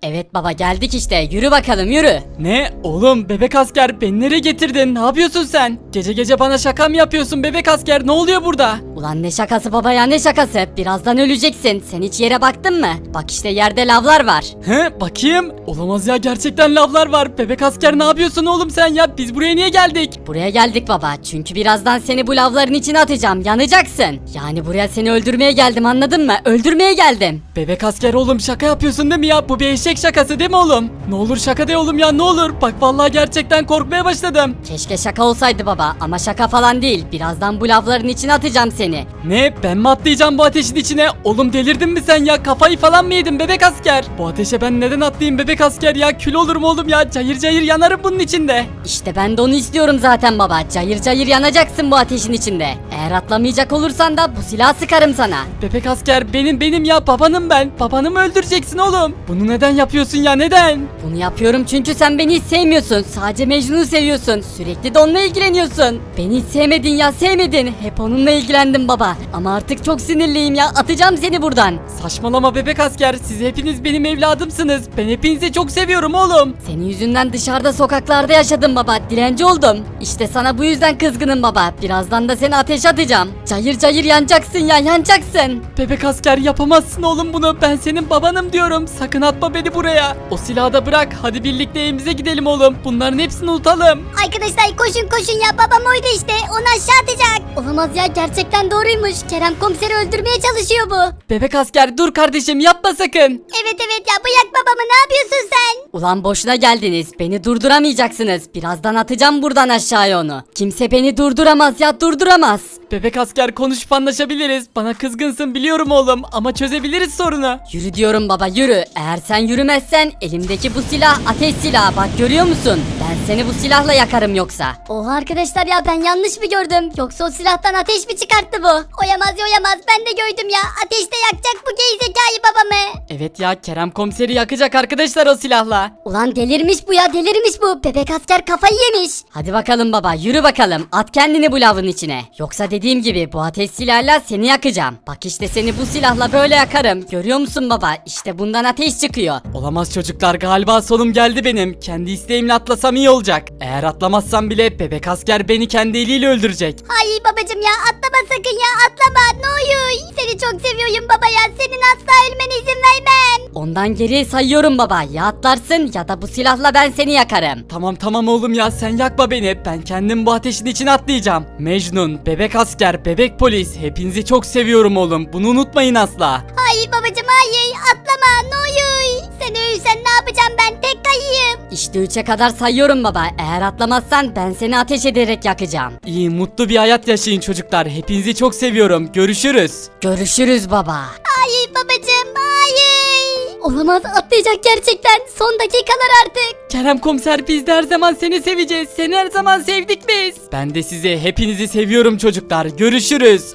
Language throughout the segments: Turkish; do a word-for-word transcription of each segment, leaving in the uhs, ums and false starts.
Evet baba geldik işte yürü bakalım yürü. Ne? Oğlum bebek asker beni nereye getirdin? Ne yapıyorsun sen? Gece gece bana şaka mı yapıyorsun bebek asker? Ne oluyor burada? Ulan ne şakası baba ya ne şakası birazdan öleceksin sen hiç yere baktın mı? Bak işte yerde lavlar var. He bakayım. Olamaz ya gerçekten lavlar var. Bebek asker ne yapıyorsun oğlum sen ya? Biz buraya niye geldik? Buraya geldik baba çünkü birazdan seni bu lavların içine atacağım yanacaksın. Yani buraya seni öldürmeye geldim anladın mı? Öldürmeye geldim. Bebek asker oğlum şaka yapıyorsun değil mi ya? Bu bir eşek şakası değil mi oğlum? Ne olur şaka de oğlum ya ne olur. Bak vallahi gerçekten korkmaya başladım. Keşke şaka olsaydı baba ama şaka falan değil. Birazdan bu lavların içine atacağım seni. Ne? Ben mi atlayacağım bu ateşin içine? Oğlum delirdin mi sen ya? Kafayı falan mı yedin bebek asker? Bu ateşe ben neden atlayayım bebek asker ya? Kül olurum oğlum ya. Cayır cayır yanarım bunun içinde. İşte ben de onu istiyorum zaten baba. Cayır cayır yanacaksın bu ateşin içinde. Eğer atlamayacak olursan da bu silahı sıkarım sana. Bebek asker benim benim ya babanım ben. Babanı mı öldüreceksin oğlum? Bunu neden yapıyorsun ya neden? Bunu yapıyorum çünkü sen beni hiç sevmiyorsun. Sadece Mecnun'u seviyorsun. Sürekli de onunla ilgileniyorsun. Beni hiç sevmedin ya sevmedin. Hep onunla ilgilendim baba. Ama artık çok sinirliyim ya. Atacağım seni buradan. Saçmalama bebek asker. Siz hepiniz benim evladımsınız. Ben hepinizi çok seviyorum oğlum. Senin yüzünden dışarıda sokaklarda yaşadım baba. Dilenci oldum. İşte sana bu yüzden kızgınım baba. Birazdan da seni ateşe atacağım. Cayır cayır yanacaksın ya yanacaksın. Bebek asker yapamazsın oğlum bunu. Ben senin babanım diyorum. Sakın atma beni buraya. O silahı da bırak. Hadi birlikte evimize gidelim oğlum. Bunların hepsini unutalım. Arkadaşlar koşun koşun ya babam oydu işte onu aşağı atacak. Olamaz ya gerçekten doğruymuş. Kerem komiseri öldürmeye çalışıyor bu. Bebek asker dur kardeşim yapma sakın. Evet evet ya bırak babamı ne yapıyorsun sen? Ulan boşuna geldiniz. Beni durduramayacaksınız. Birazdan atacağım buradan aşağıya onu. Kimse beni durduramaz ya durduramaz. Bebek asker konuşup anlaşabiliriz. Bana kızgınsın biliyorum oğlum ama çözebiliriz sorunu. Yürü diyorum baba yürü. Eğer sen yürümezsen elimdeki bu silah ateş silahı bak görüyor musun? Ben seni bu silahla yakarım yoksa. Oha arkadaşlar ya ben yanlış mı gördüm? Yoksa o silahtan ateş mi çıkarttı bu? Oyamaz oyamaz ben de gördüm ya. Ateşte yakacak bu gerizekalı babamı. Evet ya Kerem komiseri yakacak arkadaşlar o silahla. Ulan delirmiş bu ya delirmiş bu. Bebek asker kafayı yemiş. Hadi bakalım baba yürü bakalım. At kendini bu lavın içine. Yoksa dediğim gibi bu ateş silahıyla seni yakacağım. Bak işte seni bu silahla böyle yakarım. Görüyor musun baba? İşte bundan ateş çıkıyor. Olamaz çocuklar galiba sonum geldi benim. Kendi isteğimle atlasam iyi olacak. Eğer atlamazsam bile bebek asker beni kendi eliyle öldürecek. Ay babacım ya atlama sakın ya atlama ne olur. Seni çok seviyorum baba ya senin asla ölmene izin vermem. Ondan geriye sayıyorum baba. Ya atlarsın ya da bu silahla ben seni yakarım. Tamam tamam oğlum ya sen yakma beni. Ben kendim bu ateşin içine atlayacağım. Mecnun, bebek asker, bebek polis hepinizi çok seviyorum oğlum. Bunu unutmayın asla. Ay babacım hayır atlama ne olur. Sen ölürsen ne yapacağım ben tek kayayım. İşte üçe kadar sayıyorum baba. Eğer atlamazsan ben seni ateş ederek yakacağım. İyi mutlu bir hayat yaşayın çocuklar. Hepinizi çok seviyorum. Görüşürüz. Görüşürüz baba. Hayır babacım hayır. Olamaz atlayacak gerçekten son dakikalar artık. Kerem komiser biz de her zaman seni seveceğiz. Seni her zaman sevdik biz. Ben de sizi hepinizi seviyorum çocuklar. Görüşürüz.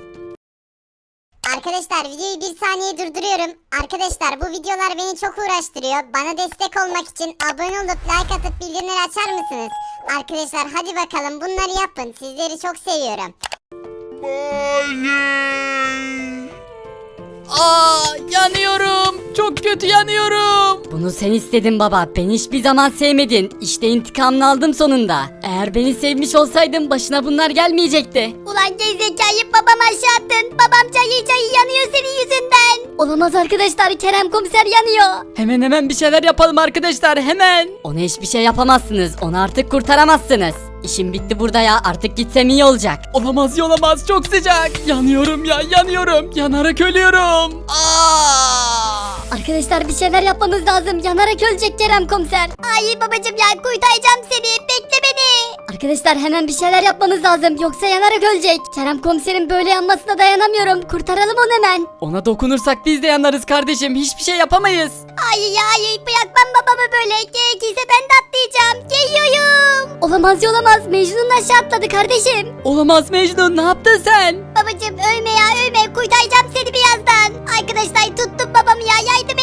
Arkadaşlar videoyu bir saniye durduruyorum. Arkadaşlar bu videolar beni çok uğraştırıyor. Bana destek olmak için abone olup like atıp bildirimleri açar mısınız? Arkadaşlar hadi bakalım bunları yapın. Sizleri çok seviyorum. Aa yanıyorum. Çok kötü yanıyorum. Bunu sen istedin baba. Beni hiçbir zaman sevmedin. İşte intikamını aldım sonunda. Eğer beni sevmiş olsaydın başına bunlar gelmeyecekti. Ulan gerizekalı babam aşağı attın. Babam cayır cayır yanıyor senin yüzünden. Olamaz arkadaşlar Kerem komiser yanıyor. Hemen hemen bir şeyler yapalım arkadaşlar hemen. Ona hiçbir şey yapamazsınız. Onu artık kurtaramazsınız. İşim bitti burada ya. Artık gitsem iyi olacak. Olamaz olamaz çok sıcak. Yanıyorum ya yanıyorum. Yanarak ölüyorum. Aa! Arkadaşlar bir şeyler yapmamız lazım. Yanarak ölecek Kerem komiser. Ay babacım ya kurtaracağım seni. Bekle beni. Arkadaşlar hemen bir şeyler yapmamız lazım. Yoksa yanarak ölecek. Kerem komiserin böyle yanmasına dayanamıyorum. Kurtaralım onu hemen. Ona dokunursak biz de yanarız kardeşim. Hiçbir şey yapamayız. Ay ya ay bırakmam babamı böyle. Gerekirse ben de atlayacağım. Geliyorum. Olamaz olamaz. Mecnun aşağı atladı kardeşim. Olamaz Mecnun ne yaptın sen? Babacım ölme ya ölme. Kurtaracağım seni birazdan. Arkadaşlar tuttum babamı ya yardım edin.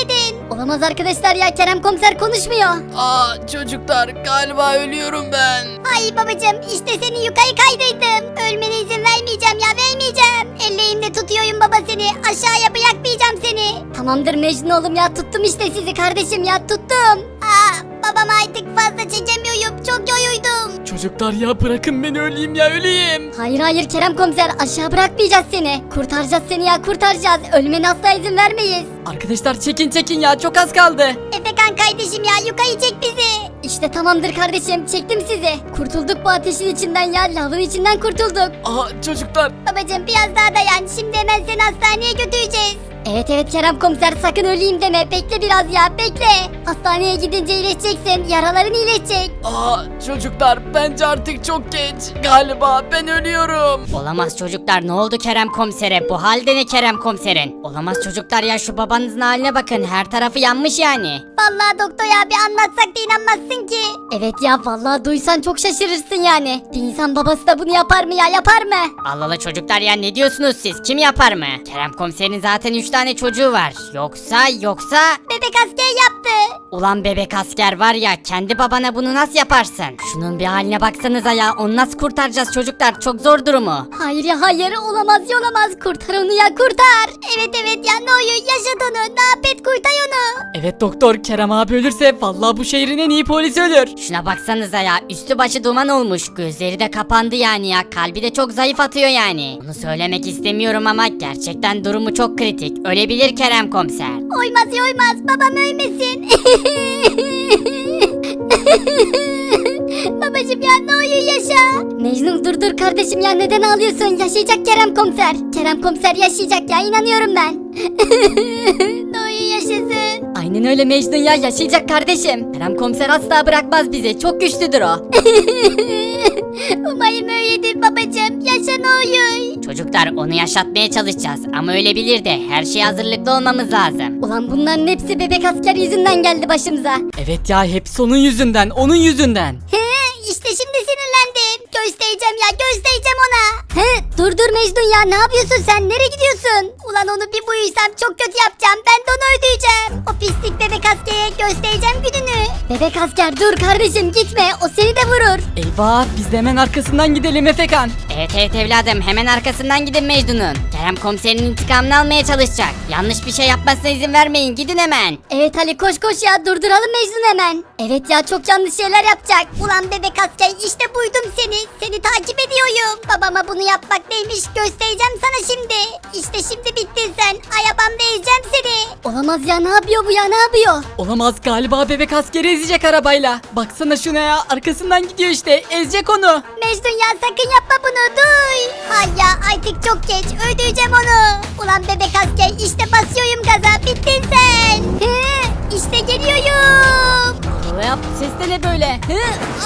Olamaz arkadaşlar ya, Kerem komiser konuşmuyor. Aa çocuklar galiba ölüyorum ben. Ay babacım, işte seni yukarı kaydırdım. Ölmene izin vermeyeceğim ya, vermeyeceğim. Elleğimde tutuyorum baba seni. Aşağıya bırakmayacağım seni. Tamamdır Mecnun oğlum ya, tuttum işte sizi kardeşim ya, tuttum. Aa, babam artık fazla çekemiyorum. Çok yoruldum. Çocuklar ya bırakın beni öleyim ya öleyim. Hayır hayır Kerem komiser, aşağı bırakmayacağız seni. Kurtaracağız seni ya, kurtaracağız. Ölmene asla izin vermeyiz. Arkadaşlar çekin çekin ya çok az kaldı. Efekan kardeşim ya, yukarı çek bizi. İşte tamamdır kardeşim, çektim sizi. Kurtulduk bu ateşin içinden ya, lavın içinden kurtulduk. Aa çocuklar. Babacım biraz daha dayan, şimdi hemen seni hastaneye götüreceğiz. Evet evet Kerem komiser, sakın öleyim deme, bekle biraz ya, bekle. Hastaneye gidince iyileşeceksin, yaraların iyileşecek. Aa çocuklar bence artık çok geç. Galiba ben ölüyorum. Olamaz çocuklar, ne oldu Kerem komisere? Bu halde ne Kerem komiserin? Olamaz çocuklar ya, şu babanızın haline bakın, her tarafı yanmış yani. Vallahi doktor ya, bir anlatsak da inanmazsın ki. Evet ya, vallahi duysan çok şaşırırsın yani. Bir insan babası da bunu yapar mı ya, yapar mı? Allah Allah çocuklar ya, ne diyorsunuz siz? Kim yapar mı? Kerem komiserin zaten üç tane çocuğu var. Yoksa yoksa... Bebek asker yaptı. Ulan bebek asker var ya, kendi babana bunu nasıl yaparsın? Şunun bir haline baksanıza ya, onu nasıl kurtaracağız çocuklar? Çok zor durumu. Hayır ya hayır, olamaz ya olamaz, kurtar onu ya, kurtar. Evet evet ya, ne oluyor, yaşat onu, ne yap et, kurtar onu. Evet doktor, Kerem abi ölürse vallahi bu şehrin en iyi polisi ölür. Şuna baksanıza ya, üstü başı duman olmuş, gözleri de kapandı yani ya, kalbi de çok zayıf atıyor yani. Bunu söylemek istemiyorum ama gerçekten durumu çok kritik, ölebilir Kerem komiser. Oymaz ya oymaz, babam ölmesin. Babacım ya, ne oluyor, yaşa. Mecnun dur dur kardeşim ya, neden ağlıyorsun? Yaşayacak Kerem komiser. Kerem komiser yaşayacak ya, inanıyorum ben. Ne oluyor, yaşasın. Aynen öyle Mecnun ya, yaşayacak kardeşim. Kerem komiser asla bırakmaz bizi, çok güçlüdür o. Umarım öyledir babacım, yaşa ne oluyor. Çocuklar onu yaşatmaya çalışacağız ama ölebilir de, her şeye hazırlıklı olmamız lazım. Ulan bunların hepsi bebek asker yüzünden geldi başımıza. Evet ya hepsi onun yüzünden, onun yüzünden. He, işte şimdi sinirlendim. Göstereceğim ya, göstereceğim ona. He, dur dur Mecnun ya, ne yapıyorsun sen, nereye gidiyorsun? Ulan onu bir buyursam çok kötü yapacağım, ben de onu öldüreceğim. O pislik bebek askere göstereceğim gününü. Bebek asker dur kardeşim, gitme, o seni de vurur. Eyvah, biz de hemen arkasından gidelim Efekan. Evet evet evladım, hemen arkasından gidin Mecnun'un. Kerem komiserin intikamını almaya çalışacak. Yanlış bir şey yapmasına izin vermeyin, gidin hemen. Evet Ali, koş koş ya, durduralım Mecnun hemen. Evet ya, çok yanlış şeyler yapacak. Ulan bebek asker, işte buydum seni. Seni takip ediyorum. Babama bunu yapmak neymiş göstereceğim sana şimdi. İşte şimdi bittin sen. Arabamda ezeceğim seni. Olamaz ya, ne yapıyor bu ya, ne yapıyor? Olamaz, galiba bebek askeri ezecek arabayla. Baksana şuna ya, arkasından gidiyor işte, ezecek onu. Mecnun ya, sakın yapma bunu, duy. Ay ya, artık çok geç, öldüreceğim onu. Ulan bebek asker, işte basıyorum gaza, bittin sen. He, işte geliyorum. Ne yap, ses de ne böyle? Hı?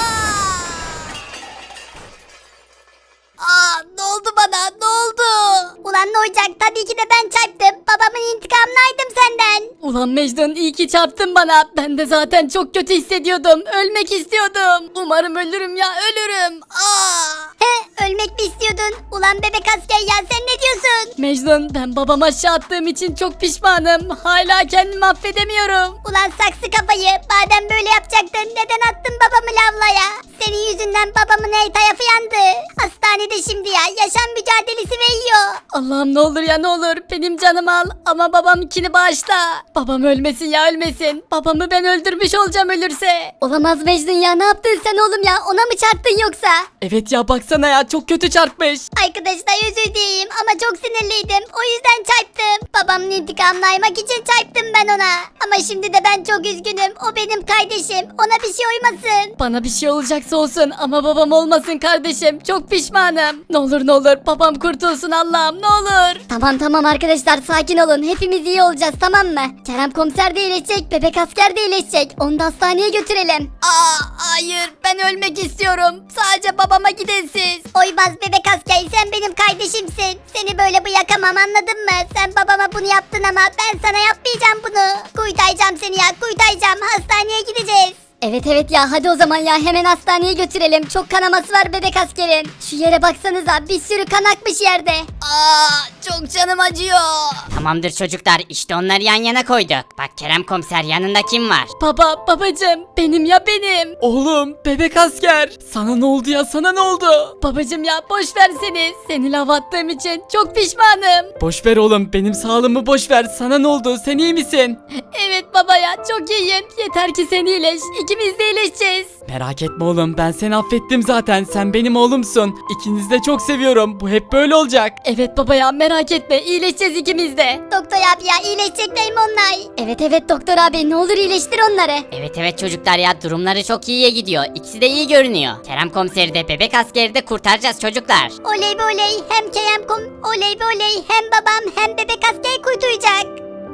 Aa, ne oldu bana, ne oldu? Ulan ne olacak, tabii ki de ben çarptım. Babamın intikamını aldım senden. Ulan Mecnun, iyi ki çarptın bana. Ben de zaten çok kötü hissediyordum. Ölmek istiyordum. Umarım ölürüm ya, ölürüm. Aa! He, ölmek mi istiyordun? Ulan bebek asker ya, sen ne diyorsun? Mecnun, ben babama aşağı attığım için çok pişmanım. Hala kendimi affedemiyorum. Ulan saksı kafayı, madem böyle yapacaktın neden attın babamı lavlaya? Senin yüzünden babamın her tarafı yandı. Hastanede şimdi ya, yaşam mücadelesi veriyor. Allah'ım ne olur ya, ne olur benim canımı al ama babamkini bağışla. Babam ölmesin ya, ölmesin. Babamı ben öldürmüş olacağım ölürse. Olamaz Mecnun ya, ne yaptın sen oğlum ya? Ona mı çarptın yoksa? Evet ya baksana ya, çok kötü çarpmış. Arkadaşlar özür dileyim ama çok sinirliydim. O yüzden çarptım. Babamın intikamını almak için çarptım ben ona. Ama şimdi de ben çok üzgünüm. O benim kardeşim. Ona bir şey olmasın. Bana bir şey olacaksa olsun ama babam olmasın kardeşim. Çok pişmanım. Ne olur ne olur babam kurtulsun Allah'ım, ne olur. Tamam tamam arkadaşlar, sakin olun. Hepimiz iyi olacağız, tamam mı? Kerem komiser de iyileşecek, bebek asker de iyileşecek. Onu da hastaneye götürelim. Aa, hayır ben ölmek istiyorum. Sadece babama gidin siz. Oymaz bebek asker, sen benim kardeşimsin. Seni böyle bırakamam, anladın mı? Sen babama bunu yaptın ama ben sana yapmayacağım bunu. Kurtaracağım seni ya, kurtaracağım. Hastaneye gideceğiz. Evet evet ya hadi o zaman ya hemen hastaneye götürelim. Çok kanaması var bebek askerin. Şu yere baksanıza bir sürü kan akmış yerde. Aa, çok canım acıyor. Tamamdır çocuklar işte onları yan yana koyduk. Bak Kerem komiser yanında kim var? Baba babacım benim ya benim. Oğlum bebek asker. Sana ne oldu ya sana ne oldu? Babacım ya boş ver seni. Seni lav attığım için çok pişmanım. Boş ver oğlum benim sağlığımı boş ver. Sana ne oldu sen iyi misin? Evet baba ya çok iyiyim. Yeter ki sen iyileş. İkimiz de iyileşeceğiz. Merak etme oğlum ben seni affettim zaten. Sen benim oğlumsun. İkinizi de çok seviyorum. Bu hep böyle olacak. Evet baba ya merak etme iyileşeceğiz ikimiz de. Doktor abi ya iyileşecekler mi onlar? Evet evet doktor abi ne olur iyileştir onları. Evet evet çocuklar ya durumları çok iyiye gidiyor. İkisi de iyi görünüyor. Kerem komiseri de bebek askeri de kurtaracağız çocuklar. Oley be oley hem Kerem kom oley be oley hem babam hem bebek asker kurtulacak.